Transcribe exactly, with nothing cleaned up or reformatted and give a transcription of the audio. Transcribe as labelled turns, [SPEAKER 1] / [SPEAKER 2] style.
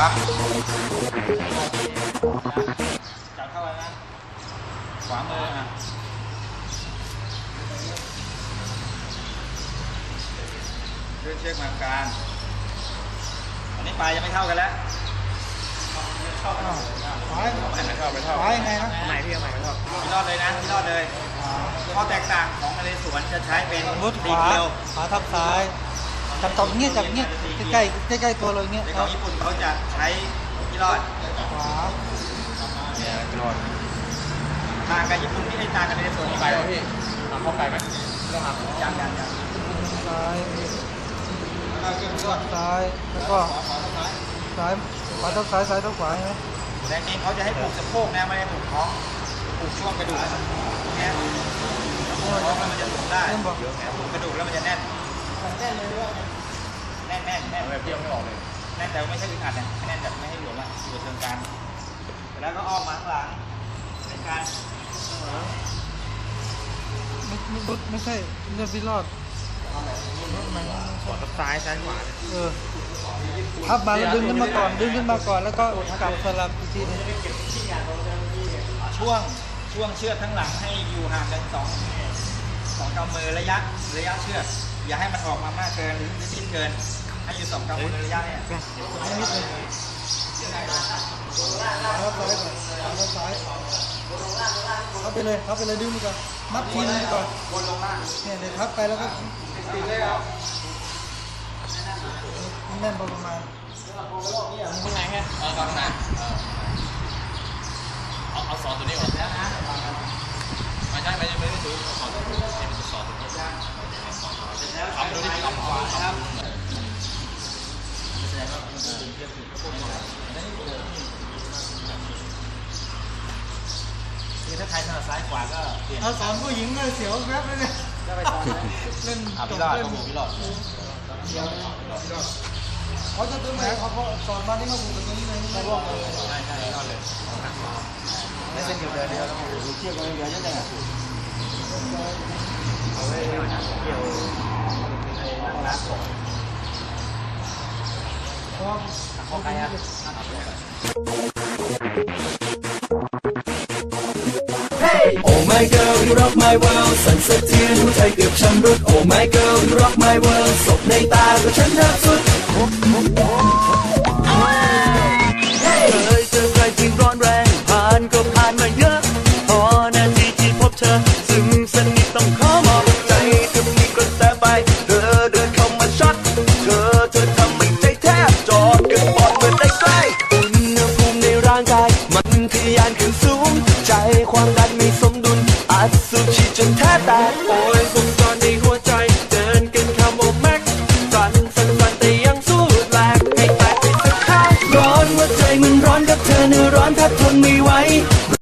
[SPEAKER 1] จับเข้าไปนะขวามืออ่ะเลื่อนเชือกมากลางอันนี้ปลายยังไม่เท่ากันแล้วเข้าไปไม่เข้าไม่เข้าไม่เข้า
[SPEAKER 2] ขวายังไงนะ
[SPEAKER 1] ไหนพี่ไหนไม่เข้าพี่รอดเลยนะพี่รอดเลยข้อแตกต่างของนเรศวรจะใช้เป็น
[SPEAKER 2] มุดข
[SPEAKER 1] ตี
[SPEAKER 2] วา
[SPEAKER 1] เกลียว
[SPEAKER 2] ขวาทับซ้ายจับตบเงี้ยจับเงี้ยใกล้ใกล้ใกล้ๆตัวเลยเงี้ย
[SPEAKER 1] ใน
[SPEAKER 2] ค
[SPEAKER 1] ข
[SPEAKER 2] รั
[SPEAKER 1] อบ งญี่ปุ่นเขาจะใช้พี่รอด
[SPEAKER 2] ขวา
[SPEAKER 1] เนี่ยพี่รอดต่างกับญี่ปุ่นที่ไอ้ต่างกับนเรศวร
[SPEAKER 3] ไปแล้วพี่ทำเข้าไปไหมต้องทำ
[SPEAKER 1] ยังยังยัง
[SPEAKER 2] ซ้าย
[SPEAKER 1] แล้วก็เครื่องช่วย
[SPEAKER 2] ซ้ายแล้วก็ซ้ายขวาทับซ้ายซ้ายทับขวาใช่ไหม
[SPEAKER 1] แต่จริงเขาจะให้ปลูกสะโพกนะไม่ได้ปลูกท้องปลูกช่วงกระดูกเนี่ยปลูกท้องแล้วมันจะปลูกได้ปลูกกระดูกแล้วมันจะแน่นแน่นเลยด้วยแน่นแน่นแน่น
[SPEAKER 3] แบบเที่ยวไม่ออกเลย
[SPEAKER 1] แน่นแต่ไม่ใช่อึดอัดนะแน่นแบบไม่ให้หลวมอ่ะอยู่เชิงกลางแล้วก็อ้อมมาข้างหลังในการ
[SPEAKER 2] ไม่ไม่ไม่ไม่ใช่เลือดพี่รอด
[SPEAKER 1] ขวาซ้ายซ้ายขวา
[SPEAKER 2] เออพับมาแล้วดึงขึ้นมาก่อนดึงขึ้นมาก่อนแล้วก็กลับสลับอีกทีนึง
[SPEAKER 1] ช่วงช่วงเชือกข้างหลังให้อยู่ห่างกันสองสองกำมือระยะระยะเชือกอย่าให้มันออกมามากเกินหรือสิ้นเกินให้อยู่สองกำมือระยะเนี่ย
[SPEAKER 2] นิดนึงแล้วซ้ายก่อนแล้วซ้ายเข้าไปเลยเข้าไปเลยดึงไปก่อนมัดทีนึงไปก่อน
[SPEAKER 1] วนลงล่าง
[SPEAKER 2] เนี่ยเดี๋ยวทับไปแล้วก็
[SPEAKER 1] ติดเลยครับ
[SPEAKER 2] แน่นพอประมาณ
[SPEAKER 1] ข้างในแค่
[SPEAKER 3] เออฟังนะเอาเอาซอสตัวนี้ก่อนไม่ใช่ไม่ใช่ไม่ได้ซื้อซอสตัวนี้เป็นซอสตัวนี้ทำดูที่ทำขวาครับ
[SPEAKER 1] คือถ้าใครถนัดซ้ายขวาก็เปลี่ยน
[SPEAKER 2] เอาสอนผู้หญิงเลยเสียวแป๊บเลยเนี่ย
[SPEAKER 1] ก็ไปสอนนะ
[SPEAKER 2] เล่น
[SPEAKER 1] อ่ะ
[SPEAKER 2] จ
[SPEAKER 1] พี่
[SPEAKER 2] บ
[SPEAKER 1] รอด
[SPEAKER 2] เล่น
[SPEAKER 1] ก็หมูพี่รอด
[SPEAKER 2] เขาจะตึ้งไหนเขาเขาสอนมาที่เขาผูกกันตรงนี้เลยไม่บอกเลย
[SPEAKER 1] ใช่ใช่รอดเลยไม่เส้นเดียวเดียวเดียวแล้วหมูเชี่ยวกันเดียวยังไงอ่ะเอาไว้เกี่ยวไอ้น้ำส่ง
[SPEAKER 2] เพราะว่า
[SPEAKER 1] ของใครอ่ะ
[SPEAKER 4] Oh my girl you rock my world สั่นสะเทือนหัวใจเกือบชำรุด Oh my girl you rock my world ศพในตาก็ฉันแทบสุดเคยเจอใครที่ร้อนแรงผ่านก็ผ่านมาเยอะพอนาทีที่พบเธอซึ่งสนิทต้องขอมอบใจจะมีกระแสไปเธอเดินเข้ามาช็อตเธอเธอทำให้ใจแทบจอดกันปอดเมื่อได้ใกล้อุณหภูมิในร่างกายมันทะยานขึ้นสูงใจความดันไม่สมดุลอัดสุชีจนแทบแตกโอ้ยวงจรในหัวใจเดินกันคำโอแม็กสั่นสั่นสั่นแต่ยังสู้แหลกให้แตกไปสักข้างร้อนหัวใจมันร้อนกับเธอเนื้อร้อนแทบทนไม่ไหว